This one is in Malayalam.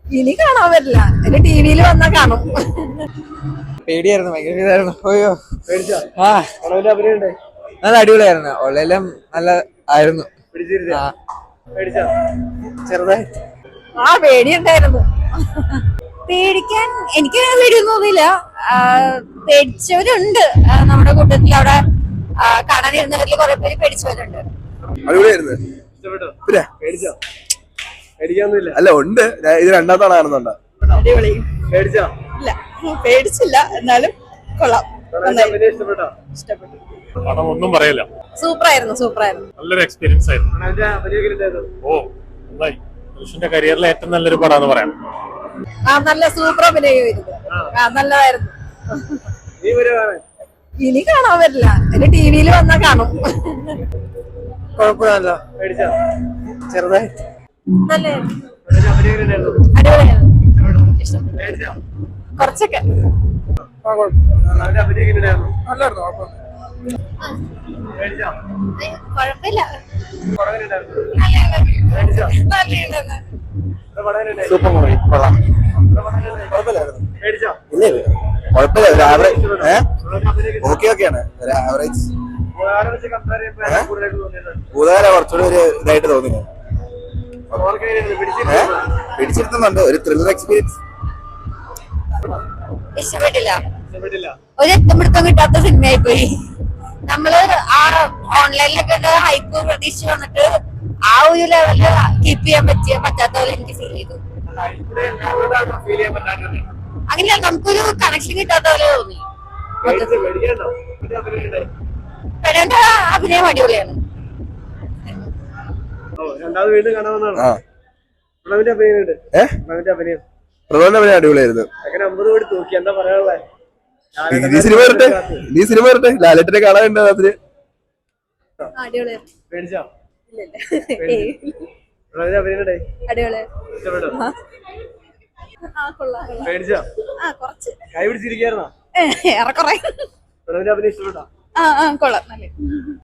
ഇനി കാണാൻ പറ്റില്ല. എന്റെ ടിവിയിൽ വന്നാ കാണും. പേടിയായിരുന്നു, ഭയങ്കര ഇതായിരുന്നു. ഓയോ പേടിച്ചോ? ആ പടവിന്റെ അഭിനയുണ്ടേ? നല്ല അടിപൊളിയായിരുന്നു. ഉള്ളെല്ലാം നല്ല ആയിരുന്നു. പിടിച്ചിരുന്നോ? ആ പേടിച്ചോ? ചെറുതായിട്ട് പേടിയുണ്ടായിരുന്നു. പേടിക്കാൻ എനിക്ക് പേടിയൊന്നും തോന്നിയില്ല. പേടിച്ചവരുണ്ട് നമ്മുടെ കൂട്ടത്തിൽ. അവിടെ കാണാനിരുന്നവരിൽ കുറെ പേര് പേടിച്ചവരുണ്ട്. അടിപൊളിയായിരുന്നു. ഇഷ്ടപ്പെട്ടോ? പിന്നെ പേടിച്ചോ? പേടിക്കാനൊന്നുമില്ല. അല്ല ഉണ്ട്, ഇത് രണ്ടാമത്തെ തവണ കാണുന്നുണ്ട്. അടിപൊളി. പേടിച്ചോ? ഇല്ല, പേടിച്ചില്ല. എന്നാലും കൊള്ളാം. പടവിന്റെ അഭിനയം ഇഷ്ടപ്പെട്ടോ? ഇഷ്ടപ്പെട്ടു. പടം ഒന്നും പറയില്ല. സൂപ്പറായിരുന്നു, സൂപ്പറായിരുന്നു. നല്ലൊരു എക്സ്പീരിയൻസ് ആയിരുന്നു. പടവിന്റെ അഭിനയം ഉണ്ടായിരുന്നു. ഓ നന്നായി. ധനുഷിന്റെ കരിയറിലെ ഏറ്റവും നല്ലൊരു പടമാണെന്ന് പറയാം. നല്ല സൂപ്പർ അഭിനയമായിരുന്നു. നല്ലതായിരുന്നു. നീ വരുവാണ്. ഇനി കാണാൻ പറ്റില്ല. എന്റെ ടിവിയിൽ വന്നാ കാണും. കുഴപ്പമില്ല. പേടിച്ചോ? ചെറുതായിട്ട് നല്ലായിരുന്നു. പടവിന്റെ അഭിനയം ഉണ്ടായിരുന്നു. അടിപൊളിയായിരുന്നു. പേടിച്ചോ? കുറച്ചൊക്കെ പടവിന്റെ അഭിനയം ഉണ്ടായിരുന്നു. പേടിച്ചോ? കുഴപ്പമില്ല. പടവിന് ഉണ്ടായിരുന്നു. പേടിച്ചോ? പടവിന് ഉണ്ടായിരുന്നു. സൂപ്പർ മൂവി, കൊള്ളാം. കുഴപ്പമില്ലായിരുന്നു. പേടിച്ചോ? ഇല്ല കുഴപ്പമില്ല, ഒരു ആവറേജ്. പടവിന്റെ അഭിനയം ഓക്കെ ഓക്കെയാണ്, ഒരു ആവറേജ്. വേറെ വെച്ച് കമ്പയർ ചെയ്യുമ്പോൾ കൂടുതലായിട്ട് തോന്നിയിട്ടുണ്ട്. ഭൂതകാല കുറച്ചുകൂടി ഒരു ഇതായിട്ട് തോന്നുന്നു. ഓർക്ക് എങ്ങനെയായിരുന്നു? പിടിച്ചിരുന്നോ? പിടിച്ചിരുത്തുന്നുണ്ട്, ഒരു ത്രില്ലർ എക്സ്പീരിയൻസ്. ഇഷ്ടപ്പെട്ടില്ല. ഇഷ്ടപ്പെട്ടില്ല. ഒരു എത്തമിടുത്തം കിട്ടാത്ത സിനിമയായി പോയി. നമ്മള് ആ ഓൺലൈനിലൊക്കെ ഹൈപ്പ് പ്രതീക്ഷിച്ച് വന്നിട്ട് ആ ഒരു ലെവലില് കീപ്പ് ചെയ്യാൻ പറ്റാത്ത പോലെ എനിക്ക് ഫീൽ ചെയ്തു. ഇവിടെ എന്തുകൊണ്ടാണ് ഫീൽ ചെയ്യാൻ പറ്റാത്തത്? അങ്ങനെയല്ല, നമുക്കൊരു കണക്ഷൻ കിട്ടാത്ത പോലെ തോന്നി. പേടിക്കണ്ടോ? ഇതിന്റെ അഭിനയം ഉണ്ടായി. പെടേണ്ട അഭിനയം അടിപൊളിയാണ്. രണ്ടാമത് വീണ്ടും കാണാമെന്നാണ്. ആ പ്രണവിന്റെ അഭിനയം ഉണ്ട്. പ്രണവിന്റെ അഭിനയം പ്രധാന അടിപൊളിയായിരുന്നു. അങ്ങനെ 50 കോടി തൂക്കി. എന്താ പറയാനുള്ളത്? ഇനി സിനിമ വരട്ടെ, ഇനി സിനിമ വരട്ടെ. ലാലേട്ടനെ കാണാനുണ്ട് അതിന്. അടിപൊളിയായിരുന്നു. പേടിച്ചോ? ഇല്ല, പ്രണവിന്റെ അഭിനയം ഉണ്ടായി. അടിപൊളിയായിരുന്നു. ഇഷ്ടപ്പെട്ടോ? കൊള്ളാം. പേടിച്ചോ? കുറച്ച് കൈ പിടിച്ചിരിക്കായിരുന്നോ? ഏറെക്കുറെ. പ്രണവിന്റെ അഭിനയം ഇഷ്ടപ്പെട്ടോ? കൊള്ളാം. നല്ല